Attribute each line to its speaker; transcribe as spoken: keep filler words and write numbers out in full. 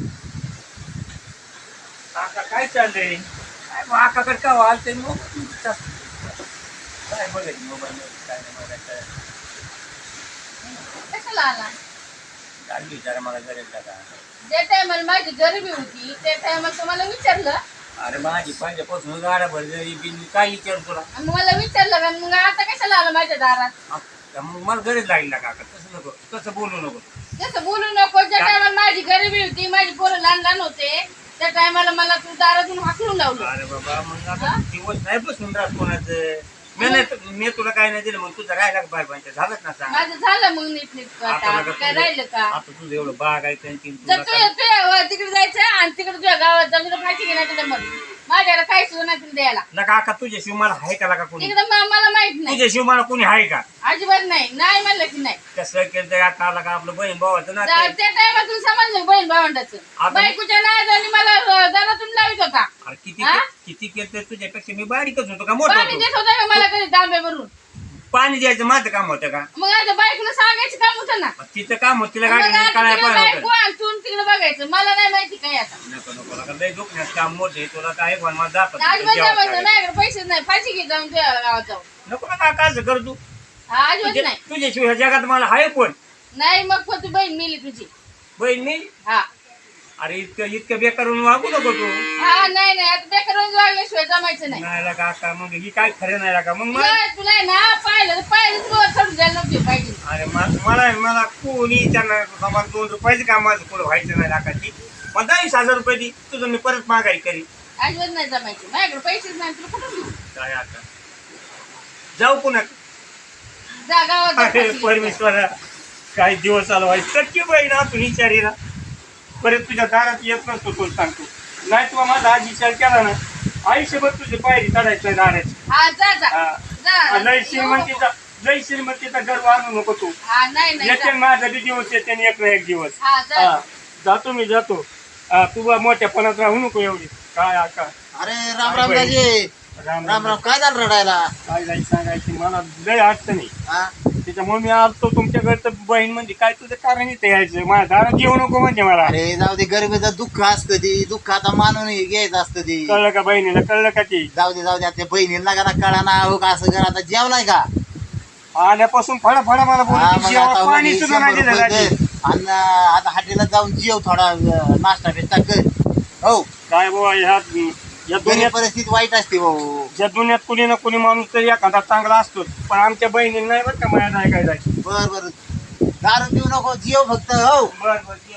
Speaker 1: काका काय चाललंय? काय मग आकाकडे का वालते मग काय बघायचं मोबाईल काय नाही बघायचं.
Speaker 2: कशाला आला?
Speaker 1: काय विचारा मला गरज का?
Speaker 2: जे टायमाला माझी गरिबी होती त्या टायमाला तुम्हाला विचारलं.
Speaker 1: अरे माझी पहिल्यापासून गाड्या भरलेली बिन काय विचार तुला?
Speaker 2: आणि मला विचारलं का मग आता कशाला आला माझ्या दारात?
Speaker 1: आ- मग मला गरज लागली ना काका. तसं नको, तसं बोलू नको.
Speaker 2: तसं बोलू नको. ज्या टायमाला माझी गरिबी होती माझी पोरं लहान लहान होते त्या टायमाला मला तू दारातून हाकलून लावलं.
Speaker 1: अरे बाबा मग आता दिवस नाही बसून राहत कोणाचं. मी नाही मी तुला काय नाही दिलं मग तुझं राहिला बाय बायच्या झालंच ना सांग.
Speaker 2: माझं झालं मग नीट नीट आता काय राहिलं का?
Speaker 1: आता तुझं एवढं बाग आहे त्यांची
Speaker 2: जर तू तू तिकडे जायचं आणि तिकडे तुझ्या गावात जाऊन तुला फायची घेण्याचं जमत माझ्याला काही सुद्धा नाही तुला द्यायला.
Speaker 1: ना काका तुझ्याशिवाय मला आहे का लागा कोणी?
Speaker 2: तिकडे मला माहित नाही.
Speaker 1: तुझ्याशिवाय मला कोणी आहे का?
Speaker 2: अजिबात नाही. नाही म्हणलं की नाही.
Speaker 1: कसं केलं आता आला का आपलं बहीण भावाचं ना
Speaker 2: त्या टायमातून समजलं बहीण भावंडाचं. बायकोच्या नादाने मला दारातून लावित होता.
Speaker 1: अरे किती किती केलं तुझ्यापेक्षा मी बारीकच होतो का मोठं
Speaker 2: पाणी
Speaker 1: होतो?
Speaker 2: देत होता का मला कधी तांबे भरून?
Speaker 1: पाणी द्यायचं माझं काम होतं का?
Speaker 2: मग आता बायकोला सांगायचं काम होतं ना.
Speaker 1: तिचं काम होतं तिला
Speaker 2: मग
Speaker 1: गाडी
Speaker 2: आता
Speaker 1: काढायला
Speaker 2: तिकडे
Speaker 1: पाहिजे
Speaker 2: बायको
Speaker 1: होतं.
Speaker 2: आणि तू तिकडे बघायचं. मला नाही माहिती काय आता.
Speaker 1: नको नको नका लय दुखण्याचं काम मोठे तुला काय पण मला दाखवत
Speaker 2: अजिबात
Speaker 1: जेवायला
Speaker 2: जमायचं.
Speaker 1: काढायचं.
Speaker 2: माझ्याकडे पैसेच नाही. फाशी घे जाऊन तुझ्या गावात जाऊन.
Speaker 1: नको ना काका असं कर तू.
Speaker 2: हा, अजिबात
Speaker 1: तुझ्या-
Speaker 2: नाही.
Speaker 1: तुझ्याशिवाय जगात मला आहे कोण?
Speaker 2: नाही मग पण ती बहीण मिली तुझी.
Speaker 1: बहीण मी?
Speaker 2: हा
Speaker 1: अरे इतकं इतकं बेकारून वागू नको तू.
Speaker 2: हा नाही नाही आता बेकार वागल्याशिवाय जमायचं नाही.
Speaker 1: नाही लागा आता मग ही काय खरं नाही लागा मग मला
Speaker 2: तुला तुला आहे ना पाहिलं तर पाहिलं तू सोडून जायला नव्हती पाहिजे.
Speaker 1: अरे मा- मला मला कोणी त्यांना मला दोन रुपयाचं काम माझं पुढं व्हायचं नाही लागायची. मग दहावीस हजार रुपये दी तुझं मी परत माघारी करी.
Speaker 2: अजिबात नाही जमायचं. माझ्याकडे पैसेच नाही. तुला कुठून देऊ?
Speaker 1: काय आता जाऊ पुन्हा.
Speaker 2: जा गावात जा
Speaker 1: अरे
Speaker 2: फाशी घे.
Speaker 1: परमेश्वरा काही दिवस चालू व्हायचं टक्के बहीण तू विचारी ना परत तुझ्या दारात येत नसतो तुला सांगतो. नाही तुला माझा आज विचार केला ना आयुष्यभर तुझी पायरी चढायची नाही दाराची.
Speaker 2: हा जा जा
Speaker 1: हा.
Speaker 2: जा.
Speaker 1: लय श्रीमंतीचा लय श्रीमंतीचा गर्व आणू नको तू.
Speaker 2: हा नाही नाही
Speaker 1: येते
Speaker 2: जा.
Speaker 1: माझा बी दिवस येते आणि एक ना एक दिवस.
Speaker 2: हा जा
Speaker 1: हा जातो मी जातो. हा, तू बा मोठ्यापणात राहू नको एवढी. काय आका
Speaker 3: अरे राम राम दाजी.
Speaker 1: राम
Speaker 3: राम राम काय झालं रडायला?
Speaker 1: काय जायचं सांगायची मला लय अडचण नाही.
Speaker 3: हा?
Speaker 1: त्याच्यामुळे मी आलतो तुमच्याकडे तर बहीण म्हणजे काय तुझं कारण इथे यायचं माझ्या दारात येऊ नको म्हणजे मला.
Speaker 3: अरे जाऊ दे गरिबीचं दुःख असतं ती दुःख आता मानून घ्यायचं असतं ती.
Speaker 1: कळलं का बहिणीला कळलं का ती
Speaker 3: जाऊ दे जाऊ दे आता बहिणीला का कळा ना हो का असं कर आता जेवलाय का?
Speaker 1: आल्यापासून फळा फळा मला
Speaker 3: हा,
Speaker 1: बोलतो
Speaker 3: मग आता
Speaker 1: पाणी
Speaker 3: हो,
Speaker 1: सुद्धा नाही
Speaker 3: शंभर
Speaker 1: दिलं
Speaker 3: रुपये
Speaker 1: रात्री.
Speaker 3: दे. आणि आता हॉटेलला जाऊन जेव थोडा अं, नाश्ता बिस्टा कर. हो
Speaker 1: काय बाबा ह्या या
Speaker 3: गरीब
Speaker 1: दुनियात
Speaker 3: परिस्थिती वाईट असते भाऊ.
Speaker 1: या दुनियात कुणी ना कुणी माणूस तरी एखादा चांगला असतोच पण आमच्या बहिणीला नाही बरं का माझ्या नाही काय जायचं.
Speaker 3: बर बर दारू पिऊ नको जेव फक्त हो.
Speaker 1: बरं बरं